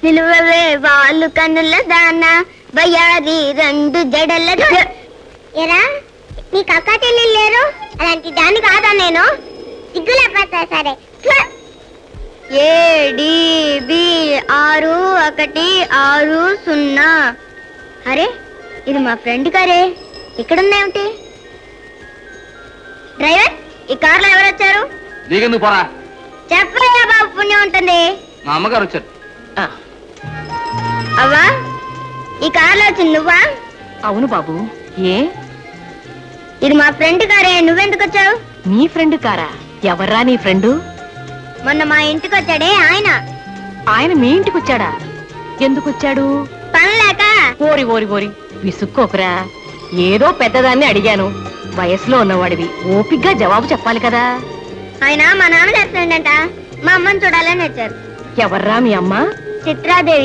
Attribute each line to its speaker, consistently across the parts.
Speaker 1: నిలువవే వాళ్ళు కన్నుల దాన బయారి రెండు జడల ఎరా నీకు అక్క చెల్లెలు లేరు అలాంటి దాన్ని కాదా నేను సిగ్గులేకపోతా సరే ఏడిబి 6160 అరే ఇది మా ఫ్రెండ్ కారే ఇక్కడుందేమిటి డ్రైవర్ ఈ కార్లో ఎవరు వచ్చారు
Speaker 2: నీకెందుకు పోరా
Speaker 1: చెప్పయ్యా బాబు పుణ్యం ఉంటుంది
Speaker 2: మా అమ్మగారు వచ్చారు
Speaker 1: అవ్వా ఈ కార్లో వచ్చింది నువ్వా
Speaker 3: అవును బాబు ఏ
Speaker 1: ఇది మా ఫ్రెండ్ కారే నువ్వెందుకు వచ్చావు
Speaker 3: నీ ఫ్రెండ్ కారా ఎవర్రా నీ ఫ్రెండు
Speaker 1: మొన్న మా ఇంటికి వచ్చాడే
Speaker 3: ఆయన మీ ఇంటికి వచ్చాడా ఎందుకు వచ్చాడు
Speaker 1: పని లేక
Speaker 3: ఓరి ఓరి ఓరి విసుక్కోకురా ఏదో పెద్దదాన్ని అడిగాను వయసులో ఉన్నవాడివి ఓపిగ్గా జవాబు చెప్పాలి కదా
Speaker 1: ఆయన మా నాన్న చేస్తాడంట మా అమ్మని చూడాలని వచ్చారు
Speaker 3: ఎవర్రా మీ అమ్మ
Speaker 1: చిత్రాదేవి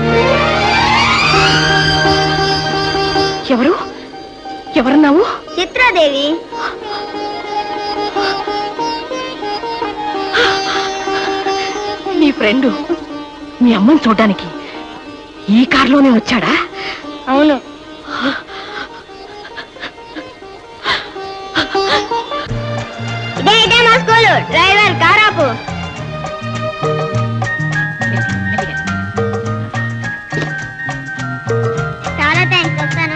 Speaker 3: ఎవరు ఎవరన్నావు
Speaker 1: చిత్రాదేవి
Speaker 3: నీ ఫ్రెండు మీ అమ్మని చూడడానికి ఈ కారులోనే వచ్చాడా
Speaker 1: అవును ఇదే మా స్కూలు డ్రైవర్ కారాపు చాలా థ్యాంక్స్ వస్తాను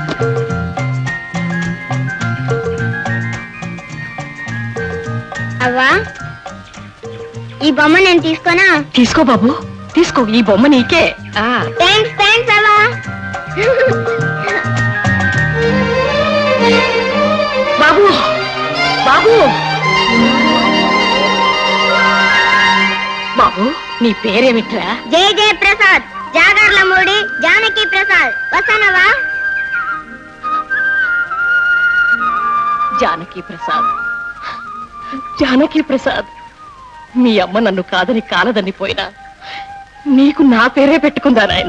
Speaker 1: అవ్వా ఈ బొమ్మ నేను తీసుకోనా
Speaker 3: తీసుకో బాబు తీసుకో ఈ బొమ్మ నీకే
Speaker 1: థ్యాంక్స్ అవ్వా
Speaker 3: బాబు బాబు బాబు నీ పేరేమిట్రా
Speaker 1: జయ జయ ప్రసాద్ జాగర్ల మూడి జానకి ప్రసాద్ వస్తానవా
Speaker 3: జానకి ప్రసాద్ జానకి ప్రసాద్ మీ అమ్మ నన్ను కాదని కాలదని పోయినా నీకు నా పేరే పెట్టుకుందా నాయన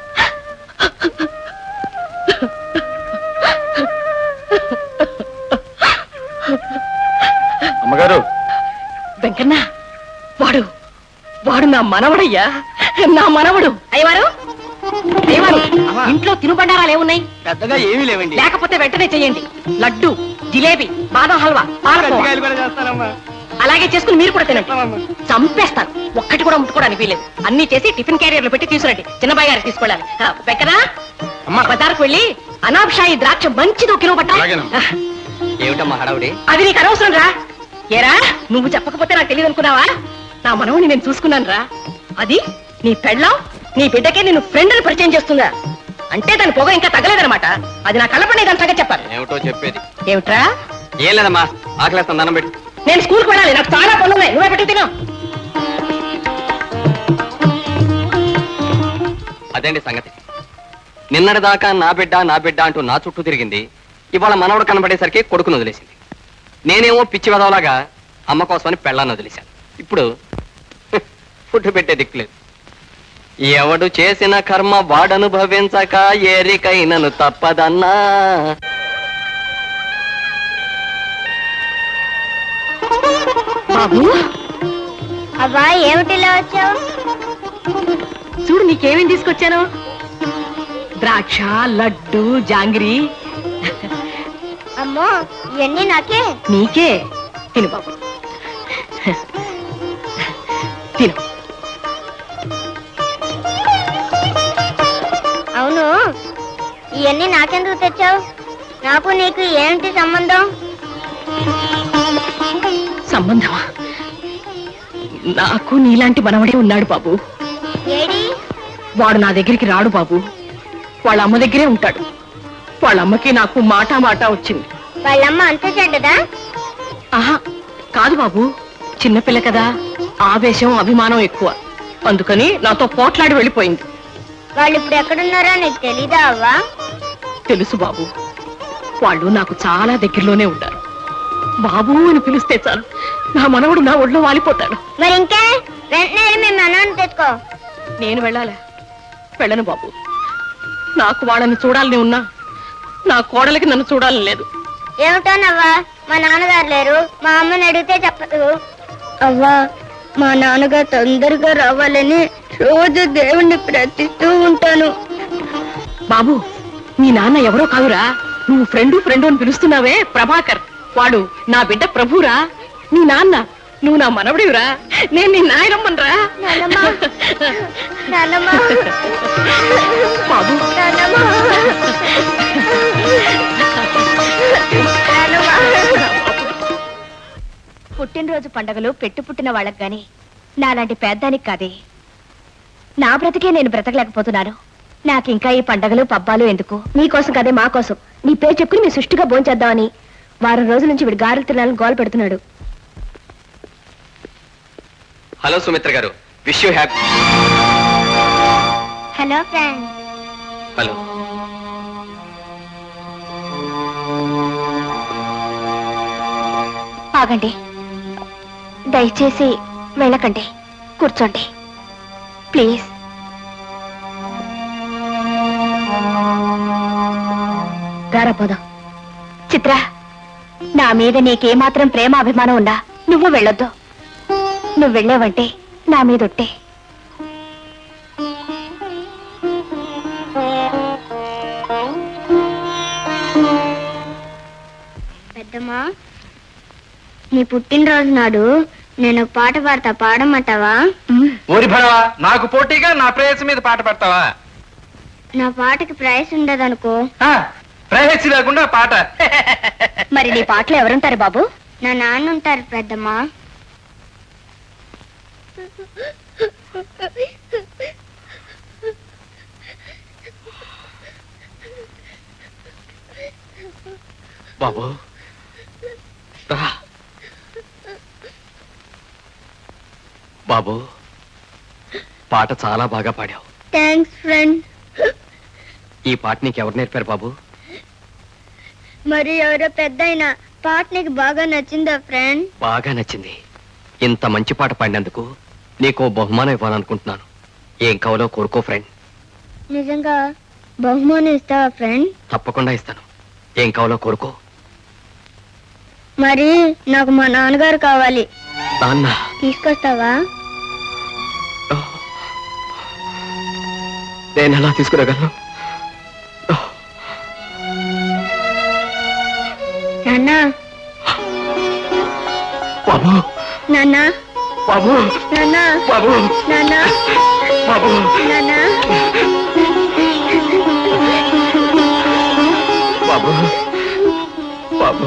Speaker 2: అమ్మగారు
Speaker 3: వెంకన్న వాడు వాడు నా మనవడయ్యా నా మనవడు అయ్యవారు అయ్యవారు ఇంట్లో తినుబండారాలు ఏమున్నాయి
Speaker 2: పెద్దగా ఏమీ లేవండి
Speaker 3: లేకపోతే వెంటనే చెయ్యండి లడ్డు జిలేబీ బాదం హల్వా పాలకోవా అలాగే చేసుకుని మీరు కూడా తినండి చంపేస్తాను ఒక్కటి కూడా ముట్టుకోవడానికి వీలేదు అన్ని చేసి టిఫిన్ క్యారియర్లు పెట్టి తీసుకురండి చిన్నబాయి గారికి తీసుకెళ్ళాలి వెంకనా బజార్కు వెళ్ళి అనాబ్షాయి ద్రాక్ష మంచిది కిలో పట్ట
Speaker 2: ఏమిటమ్మా హడావుడి
Speaker 3: అది నీకు అనవసరం రా ఏరా నువ్వు చెప్పకపోతే నాకు తెలియదు అనుకున్నావా నా మనవుని నేను చూసుకున్నాను రా అది నీ పెళ్ళం నీ బిడ్డకే నేను ఫ్రెండ్ అని పరిచయం చేస్తుందా అంటే దాని పొగ ఇంకా తగ్గలేదనమాట అది నా కళ్ళపడి దాని సంగతి చెప్పాలి
Speaker 2: ఏమిటో చెప్పేది
Speaker 3: ఏమిట్రా
Speaker 2: ఏం లేదమ్మా ఆకలేస్తాను దండం పెట్టి
Speaker 3: నేను స్కూల్కి వెళ్ళాలి నాకు చాలా పనులు ఉన్నాయి నువ్వే పెట్టి తిను
Speaker 2: అదేంటి సంగతి నిన్నటిదాకా నా బిడ్డ అంటూ నా చుట్టూ తిరిగింది ఇవాళ మనవడు కనబడేసరికి కొడుకును వదిలేసింది నేనేమో పిచ్చి వదవలాగా అమ్మ కోసమని పెళ్ళాన్ని వదిలేశాను ఇప్పుడు ఫుడ్ పెట్టే దిక్కులేదు ఎవడు చేసిన కర్మ వాడనుభవించక ఏరికైనను తప్పదన్నా
Speaker 3: బాబు
Speaker 1: అవ్వా ఏమిటిలా వచ్చావు
Speaker 3: చూడు నీకేమేం తీసుకొచ్చాను ద్రాక్ష లడ్డు జాంగిరి
Speaker 1: అమ్మో ఇవన్నీ నాకే
Speaker 3: నీకే తిను బాబు తిను
Speaker 1: అవును ఇవన్నీ నాకెందుకు తెచ్చావు నాకు నీకు ఏంటి సంబంధం
Speaker 3: సంబంధమా నాకు నీలాంటి మనవడే ఉన్నాడు బాబు
Speaker 1: ఏడి
Speaker 3: వాడు నా దగ్గరికి రాడు బాబు వాళ్ళ అమ్మ దగ్గరే ఉంటాడు వాళ్ళ అమ్మకి నాకు మాట వచ్చింది
Speaker 1: వాళ్ళమ్మ అంత చెడ్డదా
Speaker 3: ఆహా కాదు బాబు చిన్నపిల్ల కదా ఆవేశం అభిమానం ఎక్కువ అందుకని నాతో పోట్లాడి వెళ్ళిపోయింది
Speaker 1: వాళ్ళు ఇప్పుడు ఎక్కడున్నారో నీకు తెలీదా అవ్వా
Speaker 3: తెలుసు బాబు వాళ్ళు నాకు చాలా దగ్గరలోనే ఉంటారు బాబు అని పిలిస్తే చాలు నా మనవడు నా ఒళ్ళో వాలిపోతాడు
Speaker 1: మరి ఇంకే వెంటనే మేము మనవని తెచ్చుకో
Speaker 3: నేను వెళ్ళాలా వెళ్ళను బాబు నాకు వాళ్ళని చూడాలని ఉన్నా నా కోడలికి నన్ను చూడాలని లేదు
Speaker 1: ఏమిటోనవ్వా మా నాన్నగారు లేరు మా అమ్మని అడిగితే చెప్పదు అవ్వా మా నాన్నగారు తొందరగా రావాలని రోజు దేవుణ్ణి ప్రార్థిస్తూ ఉంటాను.
Speaker 3: బాబు మీ నాన్న ఎవరో కాదురా, నువ్వు ఫ్రెండు అని పిలుస్తున్నావే ప్రభాకర్, వాడు నా బిడ్డ ప్రభురా. నీ నాన్న, నువ్వు నా మనవడివిరా, నేను నీ నాయనమ్మనరా. బాబు పుట్టినరోజు పండగలు పుట్టిన వాళ్ళకి గాని నాలాంటి పేద్దానికి కాదే. నా బ్రతికే నేను బ్రతకలేకపోతున్నాను. నాకింకా ఈ పండగలు పబ్బాలు ఎందుకు? నీకోసం కదే, మా కోసం. నీ పేరు చెప్పుకుని మీ సుష్టిగా భోంచేద్దామని వారం రోజుల నుంచి వీడు గారెలు తినాలని గోల పెడుతున్నాడు.
Speaker 2: Hello Sumitra garu, wish you happy.
Speaker 1: Hello friend.
Speaker 2: Hello.
Speaker 1: ఆగండి, దయచేసి వెళ్ళకండి, కూర్చోండి ప్లీజ్. రారపోదాం. చిత్ర, నా మీద నీకేమాత్రం ప్రేమ అభిమానం ఉందా? నువ్వు వెళ్ళొద్దు. నువ్వు వెళ్ళావంటే నా మీద ఒట్టే. పెద్దమ్మా, నీ పుట్టినరోజు నాడు నేను పాట పాడతా, పాడమంటావా?
Speaker 4: ఊరి భడవా, నాకు పోటీగా నా ప్రేయసి మీద పాట పడతావా?
Speaker 1: నా పాటకి ప్రైస్ ఉండదనుకో.
Speaker 4: ప్రేయసి లేకుండా పాట.
Speaker 1: మరి నీ పాటలు ఎవరుంటారు బాబు? నా నాన్న ఉంటారు పెద్దమ్మా.
Speaker 2: బాబు రా. బాబు, పాట చాలా బాగా పాడావు.
Speaker 1: Thanks friend.
Speaker 2: ఈ పాట నీకు ఎవరు నేర్పారు బాబు?
Speaker 1: మరి ఎవరో పెద్దయినా పాట నీకు బాగా నచ్చిందా ఫ్రెండ్?
Speaker 2: బాగా నచ్చింది. ఇంత మంచి పాట పాడినందుకు నీకు బహుమానం ఇవ్వాలనుకుంటున్నాను. ఏం కావాలో కోరుకో ఫ్రెండ్.
Speaker 1: నిజంగా బహుమానం ఇస్తావా ఫ్రెండ్?
Speaker 2: తప్పకుండా ఇస్తాను. ఏం కావాలో కోరుకో.
Speaker 1: మరి నాకు మా నాన్నగారు కావాలి.
Speaker 2: నాన్న
Speaker 1: తీసుకొస్తావా?
Speaker 2: నేను ఎలా తీసుకురాగలను?
Speaker 1: నాన్న,
Speaker 2: బాబు,
Speaker 1: నాన్న,
Speaker 2: బాబు,
Speaker 1: నాన్న,
Speaker 2: బాబు,
Speaker 1: నాన్న,
Speaker 2: బాబు,
Speaker 1: నాన్న.
Speaker 2: బాబు, బాబు.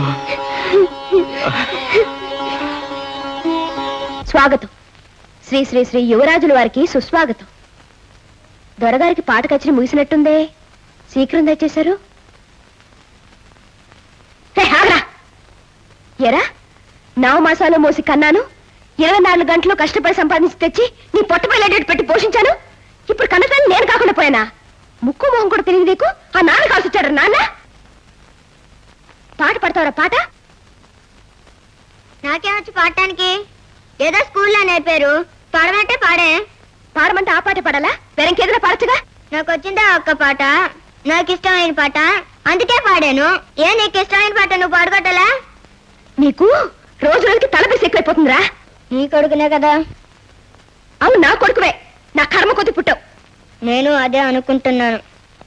Speaker 1: స్వాగతం. శ్రీ శ్రీ శ్రీ యువరాజుల వారికి సుస్వాగతం. దొరగారికి పాట కచ్చి ముగిసినట్టుందే, శీఘ్రం దయచేశారు. ఎరా, 9 మాసాలు మోసి కన్నాను, 24 గంటలు కష్టపడి సంపాదించి తెచ్చి నీ పొట్టపల్లి పెట్టి పోషించాను. ఇప్పుడు కన్నతాన్ని నేను కాకుండా పోయానా? ముక్కు మొహం కూడా తెలియదు నీకు. ఆ నాన్న కాల్సి వచ్చాడు. నాన్న, పాట పడతావరా? పాట నాకేమొచ్చి పాడటానికి? ఏదో స్కూల్లో నేర్పారు, పాడమంటే పాడే. పాడమంటే ఆ పాట పాడాలా? వేరేకేదైనా పాడచ్చుగా. నాకు వచ్చిందా ఒక్క పాట, నాకు ఇష్టమైన పాట, అందుకే పాడాను. ఏ నీకు ఇష్టమైన పాట నువ్వు పాడుకోవటలా? నీకు రోజు రోజుకి తలపేసి ఎక్కువైపోతుందిరా. నీ కొడుకునే కదా. అవును, నా కొడుకువే. నా కర్మ కొద్ది పుట్టావు. నేను అదే అనుకుంటున్నాను.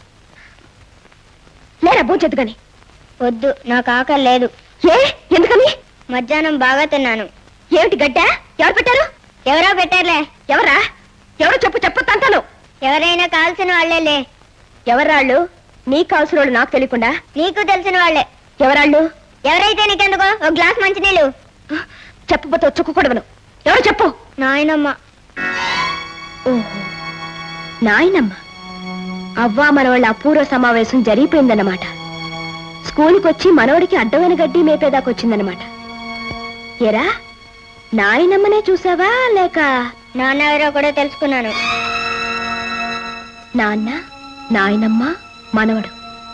Speaker 1: లేరా భోంచొద్దు గాని. వద్దు, నాకు ఆకలి లేదు. ఏ, ఎందుకని? మధ్యాహ్నం బాగా తిన్నాను. ఏమిటి గడ్డ? ఎవరు పెట్టారు? ఎవరో పెట్టారులే. ఎవరా? ఎవరో చెప్పు, చెప్పొద్దంటాను. ఎవరైనా కాల్సిన వాళ్ళేలే. ఎవరాళ్ళు? నీకు కావాల్సిన వాళ్ళు నాకు తెలియకుండా? నీకు తెలిసిన వాళ్ళే. ఎవరాళ్ళు? ఎవరైతే నీకెందుకో, ఒక గ్లాస్ మంచినీళ్ళు. చెప్పబోతే చుక్కకూడవను. ఎవరు చెప్పు? నాయనమ్మ. ఓహో, నాయనమ్మ. అవ్వా మనవాళ్ళ అపూర్వ సమావేశం జరిగిపోయిందన్నమాట. స్కూల్కి వచ్చి మనవడికి అడ్డమైన గడ్డి మేపేదాకొచ్చిందన్నమాట. ఎరా, నాయనమ్మనే చూసావా లేక నాన్న ఎవరో కూడా తెలుసుకున్నాను. నాన్న, నాయనమ్మ, మనవడు.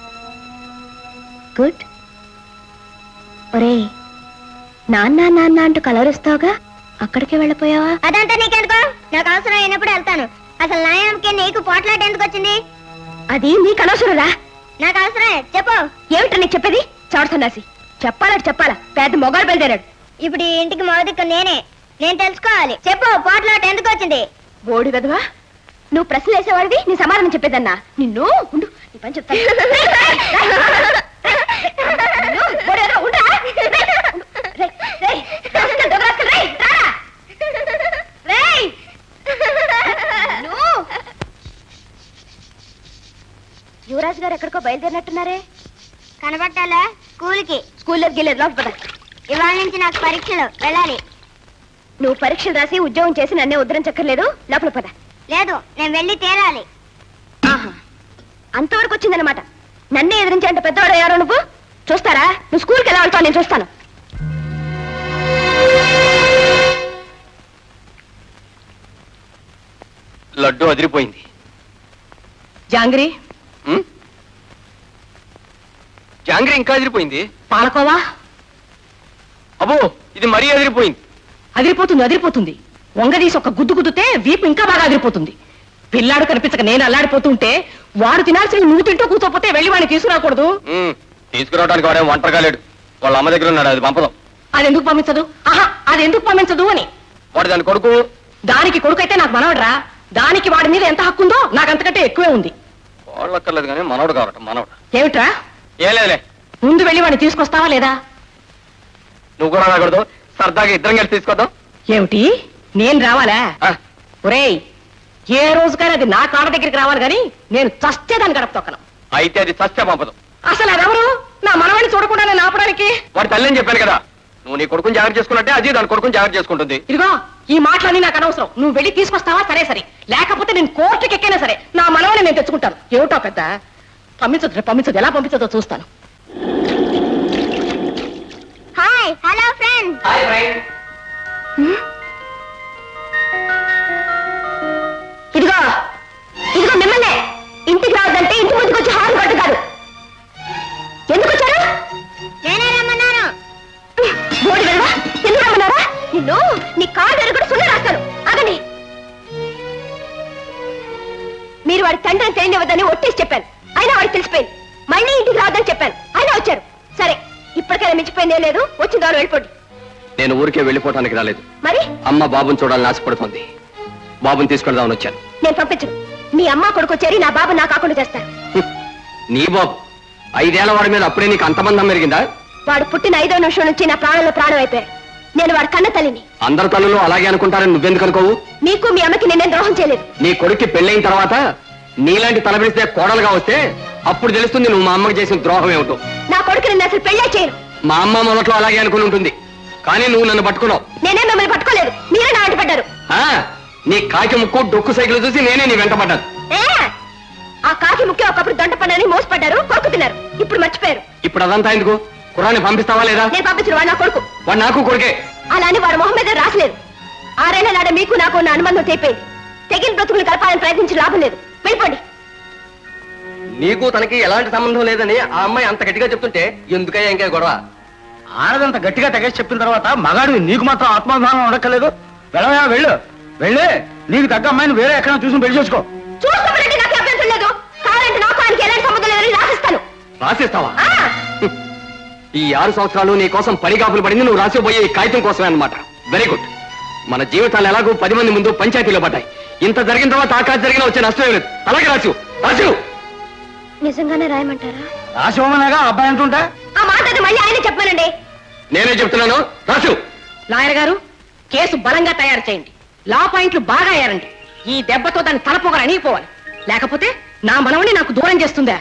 Speaker 1: గుడ్. ఒరే, నాన్న నాన్న అంటూ కలవరిస్తావుగా, అక్కడికే వెళ్ళిపోయావా? అదంతా నీకెందుకో, నాకు అవసరం అయినప్పుడు వెళ్తాను. అసలు నాయనమ్మకి నీకు పోట్లాట ఎందుకు వచ్చింది? అది నీకు అనవసరంరా. నాకు అవసరమే. చెప్పు. ఏమిటో నీకు చెప్పేది? చవట సన్నాసి. చెప్పాలంటే చెప్పాలా? పెద్ద మొగాడు బయలుదేరాడు. ఇప్పుడు ఈ ఇంటికి మొదటికి నేనే. నేను తెలుసుకోవాలి. చెప్పు, పోట్లాట ఎందుకు వచ్చింది? బోడి వెదవా, నువ్వు ప్రశ్నలు వేసేవాడివి నీ సమాధానం చెప్పేదన్నా నిన్ను ఉండు నీ పని చెప్తాను నిన్ను, బోడేదో, ఉండురా. రేయ్, రేయ్, రాస్కల్, దొంగ రాస్కల్, రేయ్, రారా. రేయ్. నిన్ను. యువరాజు గారు ఎక్కడికో బయలుదేరినట్టున్నారే కనబట్టాలా స్కూల్లోకి వెళ్ళేది లోపల పద. ఇవాళ నుంచి నాకు పరీక్షలు వెళ్ళాలి. నువ్వు పరీక్షలు రాసి ఉద్యోగం చేసి నన్నే ఉద్ధరించక్కర్లేదు లోపల పద. లేదు నేను వెళ్ళి తీరాలి. ఆహా, అంతవరకు వచ్చిందనమాట. నన్నే ఎదిరించేంత పెద్దవాడు ఎవరో నువ్వు. చూస్తారా నువ్వు స్కూల్కి ఎలా వెళ్తావు నేను చూస్తాను.
Speaker 2: లడ్డు అదిరిపోయింది.
Speaker 3: జాంగ్రీ,
Speaker 2: జాంగ్రీ ఇంకా అదిరిపోయింది.
Speaker 3: పాలకోవా
Speaker 2: అబ్బో ఇది మరీ అదిరిపోయింది.
Speaker 3: అదిరిపోతుంది. వంగదీసి ఒక గుద్దు గుద్దుతే వీపు ఇంకా బాగా అదిరిపోతుంది. పిల్లాడు కనిపించక నేను అల్లాడిపోతుంటే వాడు తినాల్సిన నువ్వు తింటూ కూర్చోపోతే వెళ్ళి వాడిని తీసుకురాకూడదు.
Speaker 2: తీసుకురావడానికి వాడే ఒంటరిగా లేడు. వాళ్ళ అమ్మ దగ్గర ఉన్నాడు. అది పంపదాం.
Speaker 3: అది ఎందుకు పంపించదు అని.
Speaker 2: వాడు దాని కొడుకు.
Speaker 3: దానికి కొడుకైతే నాకు మనవడరా. దానికి వాడి మీద ఎంత హక్కు ఉందో నాకు అంతకంటే ఎక్కువే ఉంది.
Speaker 2: వాళ్ళక్కర్లేదు కానీ మనవడు కావట. మనవడు
Speaker 3: ఏమిట్రా?
Speaker 2: ఏం లేదులే.
Speaker 3: ముందు వెళ్ళి వాడిని తీసుకొస్తావా లేదా?
Speaker 2: నువ్వు కూడా రాకూడదు. సరదాగా ఇద్దరం కలిసి తీసుకొద్దాం.
Speaker 3: ఏమిటి నేను రావాలా? ఒరేయ్, ఏ రోజుకైనా అది నా కాళ్ళ దగ్గరికి రావాలి కానీ నేను చచ్చేదాన్ని గడప తొక్కను.
Speaker 2: అయితే అది చస్తే పంపదు.
Speaker 3: అసలు అదెవరు నా మనవాడిని చూడకుండా నేను ఆపడానికి?
Speaker 2: వాడి తల్లి చెప్పాను కదా, నువ్వు నీ కొడుకుని జాగ్రత్త చేసుకున్నట్టే అది దాని కొడుకుని జాగ్రత్త చేసుకుంటుంది.
Speaker 3: ఇదిగో ఈ మాటలన్నీ నాకు అనవసరం. నువ్వు వెళ్ళి తీసుకొస్తావా? సరే, లేకపోతే నేను కోర్టుకి ఎక్కైనా సరే నా మనవాడిని నేను తెచ్చుకుంటాను. ఏమిటో పెద్ద పంపించదు. ఎలా పంపించదో చూస్తాను.
Speaker 1: Hi hello friends. ఇదిగో మిమ్మల్నే. ఇంటికి రావద్దంటే ఇంటి ముందుకు వచ్చి హార్న్ కొట్టు కాదు. ఎందుకు వచ్చారు? నేనే రమ్మన్నాను. బోడి వెళ్ళవా? ఎందుకు రమ్మన్నారా? నిన్ను నీ కాళ్ళు ఎరుగుడు సున్న రాస్తాను. అగని మీరు వాడి తండ్రిని తెలియనివ్వద్దని ఒట్టేసి చెప్పాను. అయినా వాడికి తెలిసిపోయింది. మళ్ళీ ఇంటికి రావద్దని చెప్పాను. అయినా వచ్చారు. సరే ఇప్పటికైనా మించిపోయిందే లేదు. వచ్చిన ద్వారా వెళ్ళిపోండి.
Speaker 2: నేను ఊరికే వెళ్ళిపోవటానికి రాలేదు.
Speaker 1: మరి
Speaker 2: అమ్మ బాబుని చూడాలని ఆశపడుతోంది. బాబుని తీసుకెళ్దామని వచ్చాను.
Speaker 1: నేను పంపించను. మీ అమ్మ కొడుకు చేరి నా బాబు నా కాకుండా చేస్తారు.
Speaker 2: నీ బాబు 5 ఏళ్ల వాడి మీద అప్పుడే నీకు అంతమందం పెరిగిందా?
Speaker 1: వాడు పుట్టిన 5వ నిమిషం నుంచి నా ప్రాణంలో ప్రాణం అయిపోయాడు. నేను వాడి కన్న తల్లిని.
Speaker 2: అందరు తల్లులు అలాగే అనుకుంటారని నువ్వెందుకు అనుకోవు?
Speaker 1: మీకు మీ అమ్మకి నేనేం ద్రోహం చేయలేదు.
Speaker 2: నీ కొడుక్కి పెళ్ళైన తర్వాత నీలాంటి తలపిస్తే కోడలుగా వస్తే అప్పుడు తెలుస్తుంది నువ్వు మా అమ్మకి చేసిన ద్రోహం ఏమిటో.
Speaker 1: నా కొడుకు నిన్ను అసలు పెళ్ళే చేయను.
Speaker 2: మా అమ్మ మొదట్లో అలాగే అనుకుని ఉంటుంది. కానీ నువ్వు నన్ను పట్టుకున్నావు.
Speaker 1: నేనే మిమ్మల్ని పట్టుకోలేదు. మీరే నా వెంట పడ్డారు.
Speaker 2: నీ కాకి ముక్కు డొక్కు సైకిల్ చూసి నేనే నీ వెంట పడ్డాను.
Speaker 1: ఆ కాకి ముక్కే ఒకప్పుడు దొంట పడ్డారని మోసపడ్డారు. కొడుకు తిన్నారు. ఇప్పుడు మర్చిపోయారు.
Speaker 2: ఇప్పుడు అదంతా ఎందుకు? కుర్రాన్ని పంపిస్తావా లేదా?
Speaker 1: నేను పంపించిన వాడు నా కొడుకు.
Speaker 2: వాడు నాకు కొడుకే.
Speaker 1: అలా అని వాడు మొహం మీద రాసలేదు. 6 ఏళ్ల నాడ మీకు నాకు ఉన్న అనుబంధం తెగిపోయింది. తెగిన బ్రతుకులు కలపాలని ప్రయత్నించి లాభం లేదు. వెళ్ళిపోండి.
Speaker 2: నీకు తనకి ఎలాంటి సంబంధం లేదని ఆ అమ్మాయి అంత గట్టిగా చెప్తుంటే ఎందుకయ్యా ఇంకా గొడవ?
Speaker 5: ఆడదంత గట్టిగా తెగేసి చెప్పిన తర్వాత మగాడు నీకు మాత్రం ఆత్మాభిమానం ఉండక్కర్లేదు. వెళ్ళవయా, వెళ్ళి నీకు తగ్గ అమ్మాయిని వేరే ఎక్కడ చూసి పెళ్లి చేసుకో.
Speaker 1: చూస్తామంటే నాకు అభ్యంతరం లేదు. కావాలంటే నాకు ఆయనకి ఎలాంటి సంబంధం లేదని రాసిస్తాను.
Speaker 2: రాసిస్తావా? ఈ 6 సంవత్సరాలు నీ కోసం పడిగాపులు పడింది నువ్వు రాసిపోయే ఈ కాగితం కోసమే అన్నమాట. Very good. మన జీవితాలు ఎలాగో 10 మంది ముందు పంచాయతీలో పడ్డాయి. ఇంత జరిగిన తర్వాత ఆకాశ జరిగిన వచ్చే నష్టం లేదు. అలాగే రాసు.
Speaker 1: నిజంగానే రాయమంటారా?
Speaker 5: రాసివమనగా అబ్బాయి అంటుంటా
Speaker 1: ఆ మాట అది మళ్ళీ ఆయన చెప్పానండి.
Speaker 2: నేనే చెప్తున్నాను. రాసు.
Speaker 3: లాయర్ గారు, కేసు బలంగా తయారు చేయండి. లా పాయింట్లు బాగా అయ్యారండి. ఈ దెబ్బతో దాన్ని తలపోగలు అణిగిపోవాలి. లేకపోతే నా మనవని నాకు దూరం చేస్తుందా?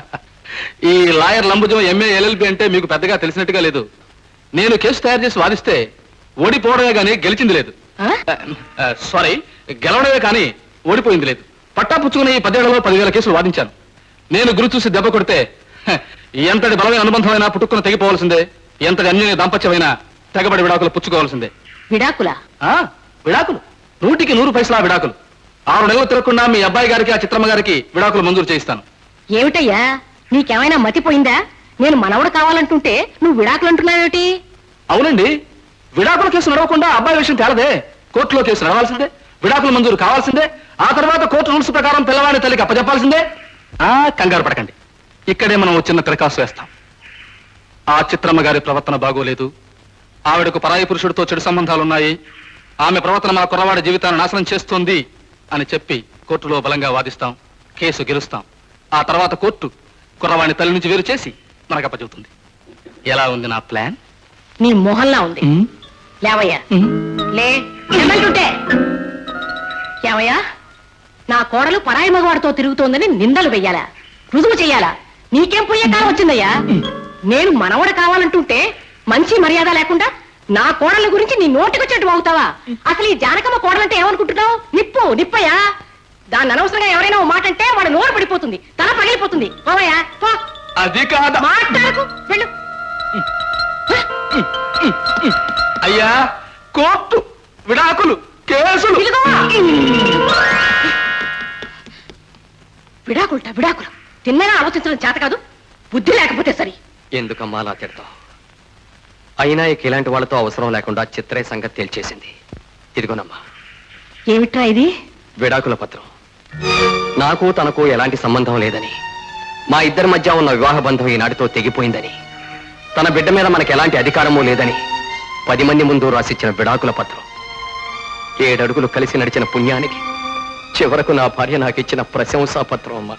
Speaker 4: ఈ లాయర్ లంబుజం ఎంఏ ఎల్ఎల్బి అంటే మీకు పెద్దగా తెలిసినట్టుగా లేదు. నేను కేసు తయారు చేసి వాదిస్తే ఓడిపోవడమే కానీ గెలిచింది లేదు. సారీ, గెలవడమే కానీ ఓడిపోయింది లేదు. పట్టా పుచ్చుకుని 10 ఏళ్లలో 10,000 కేసులు వాదించాను. నేను గురి చూసి దెబ్బ కొడితే ఎంతటి బలమైన అనుబంధమైనా పుట్టుకుని తెగిపోవాల్సిందే. ఎంతటి అన్యోన్య దాంపత్యమైనా తెగబడి విడాకులు పుచ్చుకోవాల్సిందే.
Speaker 3: విడాకులా?
Speaker 4: విడాకులు 100కి 100 పైసలా విడాకులు. 6 నెలలు తిరగకుండా మీ అబ్బాయి గారికి ఆ చిత్రమ్మ గారికి విడాకులు మంజూరు చేయిస్తాను.
Speaker 3: ఏమిటయ్యా, నీకేమైనా మతిపోయిందా? నేను మనవడు కావాలంటుంటే నువ్వు విడాకులు అంటున్నావేమిటి?
Speaker 4: అవునండి, విడాకుల కేసు నడవకుండా అబ్బాయి విషయం తేలదే. కోర్టులో కేసు నడవాల్సిందే, విడాకులు మంజూరు కావాల్సిందే. ఆ తర్వాత కోర్టు రూల్స్ ప్రకారం పిల్లవాడి తల్లికి అప్పచెప్పాల్సిందే. కంగారు పడకండి, ఇక్కడే మనం చిన్న తిరకాసు వేస్తాం. ఆ చిత్రమ్మ గారి ప్రవర్తన బాగోలేదు. ఆవిడకు పరాయి పురుషుడితో చెడు సంబంధాలున్నాయి. ఆమె ప్రవర్తన మా కుర్రవాడి జీవితాన్ని నాశనం చేస్తోంది అని చెప్పి కోర్టులో బలంగా వాదిస్తాం, కేసు గెలుస్తాం. ఆ తర్వాత కోర్టు కుర్రవాణి తల్లి నుంచి వేరు చేసి మనకు అప్పచెబుతుంది. ఎలా ఉంది నా ప్లాన్?
Speaker 3: నీ మొహల్లా ఉంది. లేవయ్యా, లే ఏమంటుంటే. ఏమయ్యా, నా కోడలు పరాయి మగవాడితో తిరుగుతోందని నిందలు వెయ్యాలా, రుజువు చెయ్యాలా? నీకేం పోయే కాలం వచ్చిందయ్యా? నేను మనవడు కావాలంటుంటే మంచి మర్యాద లేకుండా నా కోడల గురించి నీ నోటికొచ్చేట్టు అవుతావా? అసలు ఈ జానకమ్మ కోడలంటే ఏమనుకుంటున్నావు? నిప్పు నిప్పయ్యా. దాన్ని అనవసరంగా ఎవరైనా ఓ మాట అంటే వాడు నోరు పడిపోతుంది, తల పగిలిపోతుంది. పోవయ్యా, పో.
Speaker 4: అది కాదు
Speaker 3: మాట్లాడకు, వెళ్ళు.
Speaker 4: అయ్యా, కోర్టు, విడాకులు, కేసులు.
Speaker 3: ఇదిగో. విడాకులుట విడాకులు. తిన్నగా ఆలోచించడం చేత కాదు, బుద్ధి లేకపోతే సరి.
Speaker 2: ఎందుకమ్మా అలా తిడతావు? అయినా ఇక ఇలాంటి వాళ్ళతో అవసరం లేకుండా చిత్రే సంగతి తేల్చేసింది. ఇదిగోనమ్మా
Speaker 3: ఏమిట్రా ఇది?
Speaker 2: విడాకుల పత్రం. నాకు తనకు ఎలాంటి సంబంధం లేదని, మా ఇద్దరి మధ్య ఉన్న వివాహ బంధం ఈనాటితో తెగిపోయిందని, తన బిడ్డ మీద మనకు ఎలాంటి అధికారమూ లేదని 10 మంది ముందు రాసిచ్చిన విడాకుల పత్రం. 7 అడుగులు కలిసి నడిచిన పుణ్యానికి చివరకు నా భార్య నాకిచ్చిన ప్రశంసా పత్రం అమ్మా.